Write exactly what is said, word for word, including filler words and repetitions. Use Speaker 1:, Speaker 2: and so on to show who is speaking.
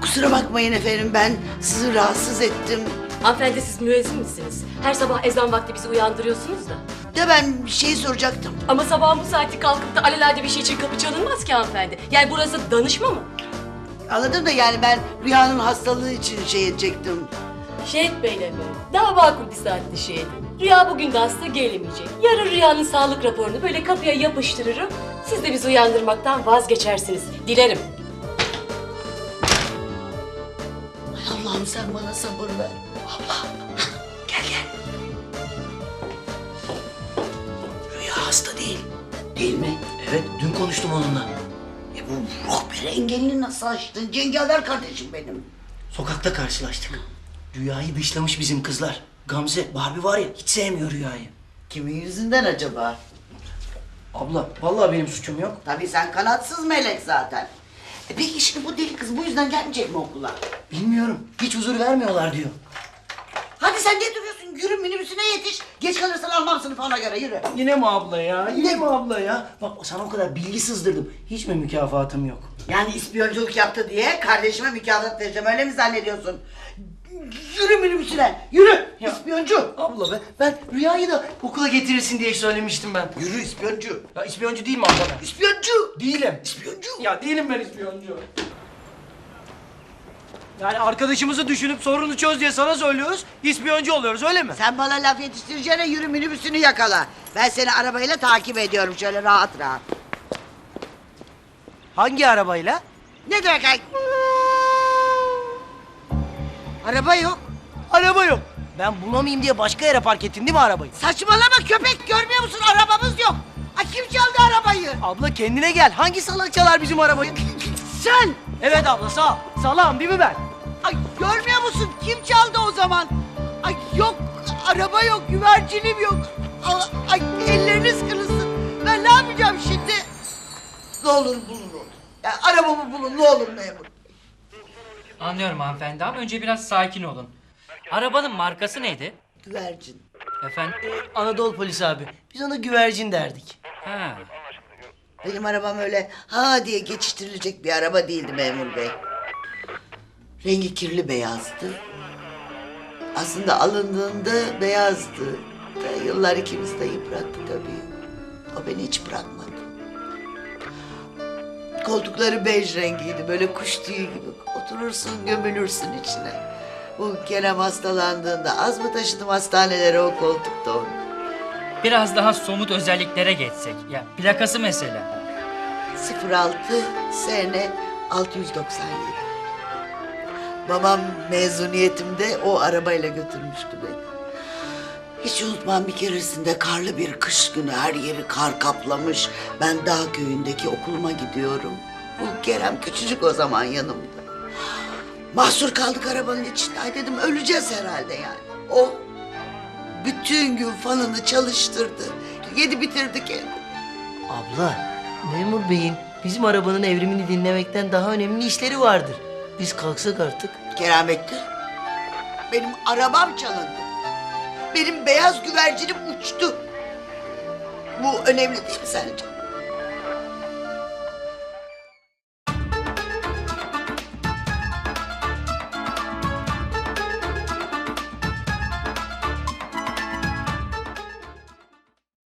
Speaker 1: Kusura bakmayın efendim, ben sizi rahatsız ettim.
Speaker 2: Hanımefendi siz müezzin misiniz? Her sabah ezan vakti bizi uyandırıyorsunuz da.
Speaker 1: De ben bir şey soracaktım.
Speaker 2: Ama sabahın bu saati kalkıp da alelade bir şey için kapı çalınmaz ki hanımefendi. Yani burası danışma mı?
Speaker 1: Anladım da yani ben Rüya'nın hastalığı için şey edecektim.
Speaker 2: Şehit Bey'le mi? Daha makul bir saatte şey edin. Rüya bugün de hasta gelemeyecek. Yarın Rüya'nın sağlık raporunu böyle kapıya yapıştırırım. Siz de bizi uyandırmaktan vazgeçersiniz. Dilerim.
Speaker 1: Ay Allah'ım sen bana sabır ver. Allah. Gel gel. Rüya hasta değil. Değil mi?
Speaker 3: Evet, dün konuştum onunla.
Speaker 1: E bu ruh bir engelini nasıl açtın? Cengaver kardeşim benim.
Speaker 3: Sokakta karşılaştık. Rüyayı dışlamış bizim kızlar. Gamze, Barbie var ya, hiç sevmiyor Rüyayı.
Speaker 1: Kimin yüzünden acaba?
Speaker 3: Abla, vallahi benim suçum yok.
Speaker 1: Tabii sen kanatsız melek zaten. E peki şimdi bu deli kız bu yüzden gelmeyecek mi okula?
Speaker 3: Bilmiyorum, hiç huzur vermiyorlar diyor.
Speaker 1: Hadi sen ne duruyorsun? Yürü minibüsüne yetiş. Geç kalırsan almam sınıfı ona göre yürü.
Speaker 3: Yine mi abla ya? Yine mi abla ya? Bak sana o kadar bilgi sızdırdım. Hiç mi mükafatım yok?
Speaker 1: Yani ispiyonculuk yaptı diye kardeşime mükafat vereceğim öyle mi zannediyorsun? Yürü minibüsüne yürü
Speaker 3: Ya.
Speaker 1: ispiyoncu.
Speaker 3: Abla be, ben Rüyayı da okula getirirsin diye söylemiştim ben.
Speaker 1: Yürü ispiyoncu.
Speaker 3: Ya ispiyoncu değil mi abla ben?
Speaker 1: İspiyoncu.
Speaker 3: Değilim.
Speaker 1: İspiyoncu.
Speaker 3: Ya değilim ben ispiyoncu. Yani arkadaşımızı düşünüp sorunu çöz diye sana söylüyoruz, ispiyoncu oluyoruz öyle mi?
Speaker 1: Sen bana laf yetiştireceğine yürü minibüsünü yakala. Ben seni arabayla takip ediyorum şöyle rahat rahat.
Speaker 3: Hangi arabayla?
Speaker 1: Ne demek ay? Araba yok.
Speaker 3: Araba yok. Ben bulamayayım diye başka yere park ettin değil mi arabayı?
Speaker 1: Saçmalama köpek görmüyor musun arabamız yok. Ay kim çaldı arabayı?
Speaker 3: Abla kendine gel. Hangi salak çalar bizim arabayı?
Speaker 1: Sen.
Speaker 3: Evet abla sağ ol. Salağım değil mi ben?
Speaker 1: Ay görmüyor musun kim çaldı o zaman? Ay yok araba yok güvercinim yok. Ay, ay elleriniz kırılsın. Ben ne yapacağım şimdi? Ne olur bulun onu. Ya, arabamı bulun ne olur memur.
Speaker 4: Anlıyorum hanımefendi ama önce biraz sakin olun. Arabanın markası neydi?
Speaker 1: Güvercin.
Speaker 4: Efendim?
Speaker 3: Anadolu polisi abi. Biz ona güvercin derdik.
Speaker 4: Ha.
Speaker 1: Benim arabam öyle ha diye geçiştirilecek bir araba değildi memur bey. Rengi kirli beyazdı. Aslında alındığında beyazdı. Ve yıllar ikimiz de yıprattı tabii. O beni hiç bırakmadı. Koltukları bej rengiydi. Böyle kuş tüyü gibi. Oturursun gömülürsün içine. Bu Kerem hastalandığında az mı taşıdım hastanelere o koltukta onu.
Speaker 4: Biraz daha somut özelliklere geçsek. Ya plakası mesela.
Speaker 1: sıfır altı S N altı yüz doksan yedi. Babam mezuniyetimde o arabayla götürmüştü beni. Hiç unutmam bir keresinde karlı bir kış günü her yeri kar kaplamış. Ben dağ köyündeki okuluma gidiyorum. Bu Kerem küçücük o zaman yanımda. Mahsur kaldık arabanın içinde. Ay dedim öleceğiz herhalde yani. O bütün gün fanını çalıştırdı. Yedi bitirdi kendini.
Speaker 3: Abla, memur beyin bizim arabanın evrimini dinlemekten daha önemli işleri vardır. Biz kalksak artık.
Speaker 1: Kerametli. Benim arabam çalındı. Benim beyaz güvercinim uçtu. Bu önemli değil mi sence?